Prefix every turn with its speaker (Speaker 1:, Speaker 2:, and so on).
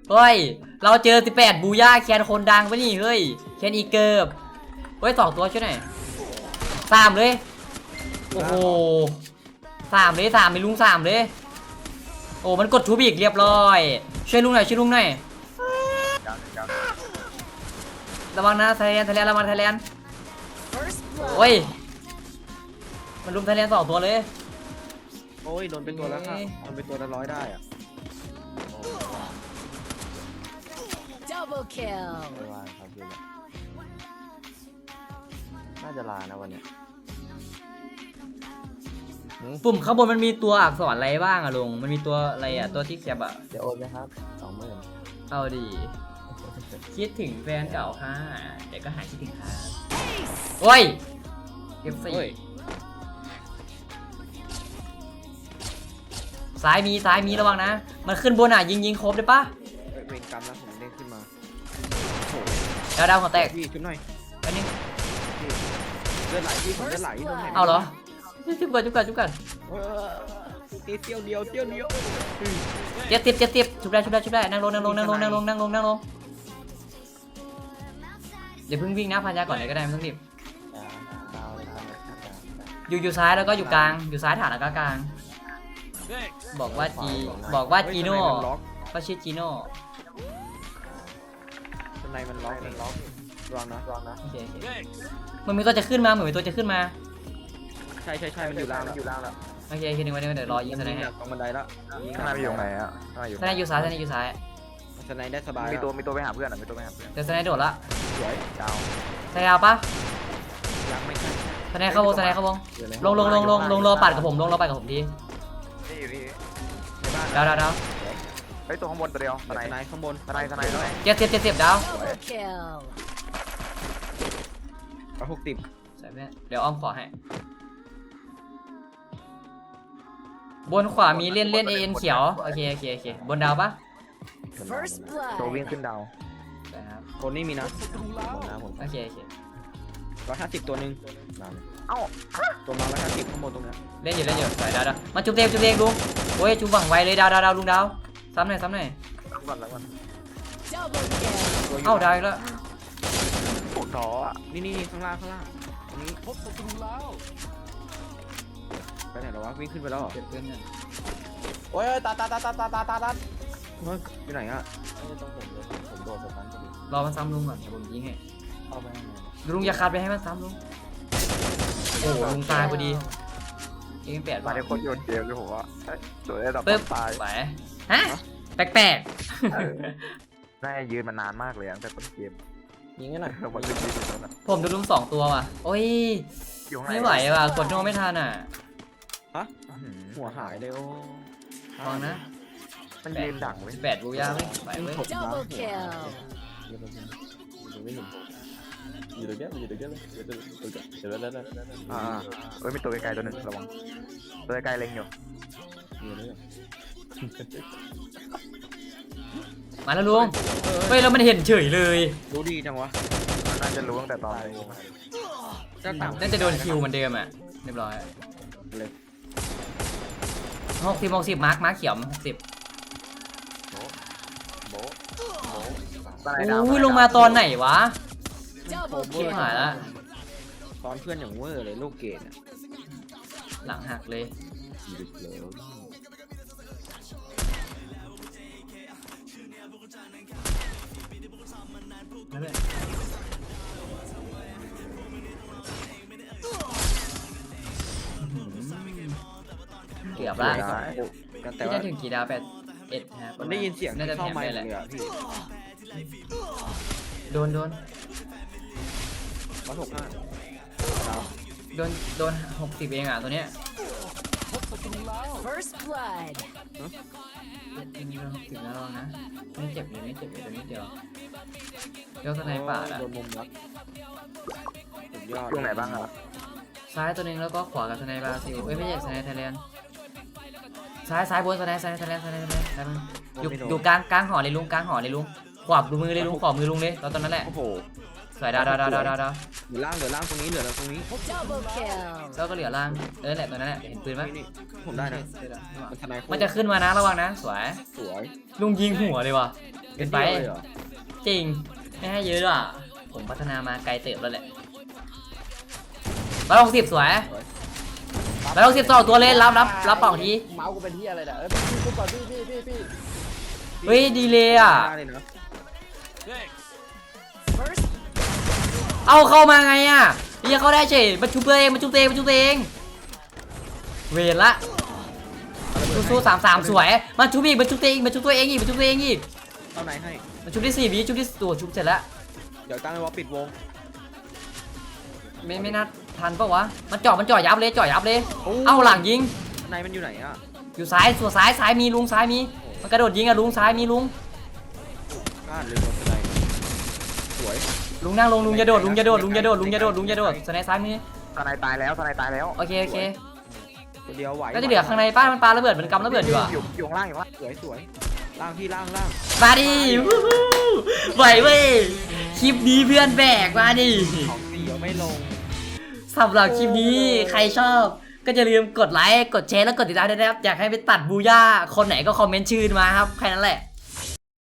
Speaker 1: เฮ้ยเราเจอ18บูย่าแคนคนดังปะนี่เฮ้ยแคนอีเกิร์บเฮ้ย2ตัวช่วยหน่อย3เลยโอ้โห3เลย3ไม่ลุง3เลยโอ้มันกดทูบิกเรียบร้อยช่วยลุงหน่อยช่วยลุงหน่อยระวังนะไทยแลนด์ระวังไทยแลนด์โอ้ยมันลุมไทยแลนด์2ตัวเลย
Speaker 2: โอ้ยโดนเป็นตัวละครับโดนเป็นตัวละ100ได้อะ
Speaker 3: Double kill
Speaker 2: ไม่ว่าครับพี่น่าจะลานะวันนี้
Speaker 1: ปุ่มข้างบนมันมีตัวอักษรอะไรบ้างอะลุงมันมีตัวอะไรอะตัวที่แคบอะ
Speaker 2: เดี๋ยวโอนไหมครับ20,000
Speaker 1: เอาดิคิดถึงแฟนเก่าค่ะเดี๋ยวก็หายคิดถึงค่ะโอ้ยเก็บสี่ซ้ายมีระวังนะมันขึ้นบนอ่ะยิงครบได้ปะ
Speaker 2: เวรกรรมนะผมเด้งขึ้นมา
Speaker 1: ดาวหัวแตก
Speaker 2: พี่ชุบหน่อย
Speaker 1: อันนี้
Speaker 2: เลือดไหลพี่ผมเลือดไหลโดนแทง
Speaker 1: เอาเหรอจุบกัน
Speaker 2: เที่ยวเดียว
Speaker 1: เจ็บชุบได้นั่งลงอย่าเพิ่งวิ่งนะพันยาก่อนเลยก็ได้ไม่ต้องรีบอยู่ซ้ายแล้วก็อยู่กลางอยู่ซ้ายฐานแล้วก็กลางบอกว่าจีโน่เขาชื่อจีโน่
Speaker 2: ข้างในมันล็อกรองนะ
Speaker 1: โอเคมันมีตัวจะขึ้นมาเหมือนมีตัวจะขึ้นมา
Speaker 2: ใช่มันอยู่ล่างแล้ว
Speaker 1: โอเคนึงไว้เดี๋ยวรอยิงสไนด์ให้
Speaker 2: ตรงบันไดแล้ว
Speaker 4: ข้างในอยู่ไหนอ่ะ
Speaker 1: สไนด์อยู่ซ้าย
Speaker 2: สไนได้สบาย
Speaker 4: มีตัวไปหาเพื่อน
Speaker 1: เดี๋ยวสไนด์โดดละ
Speaker 2: สวยดาว
Speaker 1: สไนด์เอาปะ
Speaker 2: ยังไม่ใช่
Speaker 1: สไนด์เข้าวงลงรอปัดกับผมที
Speaker 4: นี่อยู่นี่
Speaker 2: ในบ้าน
Speaker 1: ดาว
Speaker 4: เฮ้ยตัวข้างบนตัวเดียว
Speaker 2: สไนข้างบน
Speaker 4: สไนด้วย
Speaker 1: เจ็บดาว
Speaker 3: Double kill
Speaker 2: 160
Speaker 1: ใส่เดี๋ยวอ้อมขอให้บนขวามีเล่นเอ็นเขียวโอเคบนดาวปะ
Speaker 3: First
Speaker 4: ตัววิ่ง
Speaker 3: blood
Speaker 4: ขึ้นดาว
Speaker 1: ครับ
Speaker 2: คนนี้มีนะผม
Speaker 1: โอเค
Speaker 2: 150ตัวนึง
Speaker 4: เอ้า
Speaker 2: ตัวมา150ข้างบนตรงนี้
Speaker 1: เล่นอยู่ใส่ดาวมาจุ๊บเด็กลุงโอ้ยจุ๊บหวังไวเลยดาวลุงดาวซ้ำหน่อย
Speaker 4: ก่อน
Speaker 3: Double kill
Speaker 1: เอ้าดาวอีกแล้ว
Speaker 4: ปวดท้ออ่ะ
Speaker 2: นี่ข้างล่างตรงนี้พบศัตรูแล้วไปไหนแล้ววะวิ่งขึ้นไปแล้วเหรอ
Speaker 1: เก็บเพื่อนเนี่ย
Speaker 2: โอ้ยตาอยู่ไหนอ่ะผมโดนสตันพอดี
Speaker 1: รอมันซ้ำลุงก่อนเดี๋ยวผมยิงให้
Speaker 2: เอาไป
Speaker 1: ลุงอย่าคาดไปให้มันซ้ำลุงโอ้ลุงตายพอดียิง8
Speaker 4: มาได้คนโยนเกมเลยผมว่าสวยแบบ
Speaker 1: ปึ๊บ
Speaker 4: ตาย
Speaker 1: ไปฮะแปลก
Speaker 4: น่าจะยืนมานานมากเลยตั้งแต่ต้นเกม
Speaker 2: ยิงกันหน่อย
Speaker 4: เราหมดเลยยืนตรงนั้น
Speaker 1: ผมโดนลุง2ตัวว่ะโอ้ย
Speaker 4: อยู่ข้างใน
Speaker 1: ไม่ไหวว่ะกดโนไม่ทันอ่ะ
Speaker 2: ฮะหัวหายเลยโอ้
Speaker 1: ฟังนะ
Speaker 4: มันยืนดักไว้
Speaker 1: 18บูย่าไปเว้ย
Speaker 3: Double kill
Speaker 2: อยู่ตรงนี้เลยเดี๋ยว
Speaker 4: เฮ้ยมีตัวไกลๆตัวนึงระวังตัวไกลเล็งอยู่
Speaker 1: มาแล้วลุงเฮ้ยแล้วมันเห็นเฉยเลย
Speaker 2: รู้ดีจังวะ
Speaker 4: น่าจะรู้ตั้งแต่ตอน
Speaker 1: น่าจะโดนคิวเหมือนเดิมอ่ะเรียบร้อย
Speaker 2: เลย
Speaker 1: 60มาร์คเขียว60อุ้ยลงมาตอนไหนวะ
Speaker 3: Double
Speaker 1: ชิบ
Speaker 3: kill
Speaker 1: หายละ
Speaker 2: ตอนเพื่อนอย่างเวอร์เลยลูกเกดอ่ะ
Speaker 1: หลังหักเลยเกือบละ
Speaker 2: แต่ว่า
Speaker 1: ที่ได้ถึงกี่ดาว81ครับ
Speaker 2: มันได้ยินเสียง
Speaker 1: น่าจะ
Speaker 2: เข้า
Speaker 1: แถม
Speaker 2: ไม
Speaker 1: ได้
Speaker 2: ค์
Speaker 1: แห
Speaker 2: เล
Speaker 1: ละ
Speaker 2: ยอ่ะพี่
Speaker 1: โดน
Speaker 2: 165
Speaker 1: โดน60เองอ่ะตัวเนี้ย
Speaker 3: First blood
Speaker 1: โดน60แล้วนะไม่เจ็บเลยตัวนี้เดียวเดี๋ยวสไนป่าละ
Speaker 2: โดนมุมรักสุดยอด
Speaker 4: ช่วงไหนบ้างอ่ะ
Speaker 1: ซ้ายตัวนึงแล้วก็ขวากับสไนบราซิลเอ้ยไม่ใช่สไนไทยแลนด์ซ้ายบนสไนไทยแลนด์อยู่กลางหอเลยลุงขวามือเลยลุงขวามือลุงเลยตอนนั้นแหละ
Speaker 2: โอ้โห
Speaker 1: สวยดาว
Speaker 2: เหลือล่างตรงนี้เหลือตรงนี้
Speaker 3: Double kill.
Speaker 1: แล้วก็เหลือล่างแหละตัวนั้นแหละเห็นปืนไหม
Speaker 2: นี่ผมได้นะมันทนาย
Speaker 1: มันจะขึ้นมานะระวังนะสวย
Speaker 2: สวย
Speaker 1: ลุงยิงหัวเลยว่ะเกินไป
Speaker 2: เลยเหรอ
Speaker 1: จริงไม่ให้เยอะด้วยอ่ะผมพัฒนามาไกลเติบแล้วแหละ160สวย162ตัวเล่นรับป่องที
Speaker 5: เมาส์กูเป็นที่อะไรเนี่ยพี่ก่อนพี่
Speaker 1: เฮ้ยดีเลยอ่ะ
Speaker 2: ได้เลยนะ
Speaker 3: First
Speaker 1: เอาเข้ามาไงอ่ะเรียกเขาได้เฉยมาชุบตัวเองเวรละสู้33สวยมาชุบอีกมาชุบตัวเองอีก
Speaker 2: เอาไหนให้
Speaker 1: มาชุบที่4วิชุบที่ตัวชุบเสร็จแล้ว
Speaker 2: เดี๋ยวตั้งไว้ว่าปิดวง
Speaker 1: ไม่น่าทันปะวะมันจ่อยับเลยเอ้าหลังยิง
Speaker 2: ในมันอยู่ไหนอ่ะ
Speaker 1: อยู่ซ้ายมีลุงซ้ายมีมันกระโดดยิงอะลุงซ้ายมีลุง
Speaker 2: พลาดเลยโดนทนายสวย
Speaker 1: ลุงนั่งลงลุงอย่าโดดสไนซ้ายมี
Speaker 4: ทนายตายแล้ว
Speaker 1: โอเค
Speaker 2: ตัวเดียวไหว
Speaker 1: ก็จะเหลือข้างในป้ามันปาระเบิดมันกำระเบิดอยู่อ่ะ
Speaker 4: อยู่ข้างล่าง
Speaker 2: สวยล่างพี่ล่าง
Speaker 1: มาดิวู้ฮู้ไหวเว้ยคลิปนี้เพื่อนแบกมาดิ
Speaker 2: ของเสียวไม่ลง
Speaker 1: สำหรับคลิปนี้ใครชอบก็อย่าลืมกดไลค์กดแชร์แล้วกดติดตามด้วยนะครับอยากให้ไปตัดบูย่าคนไหนก็คอมเมนต์ชื่อมาครับแค่นั้นแหละ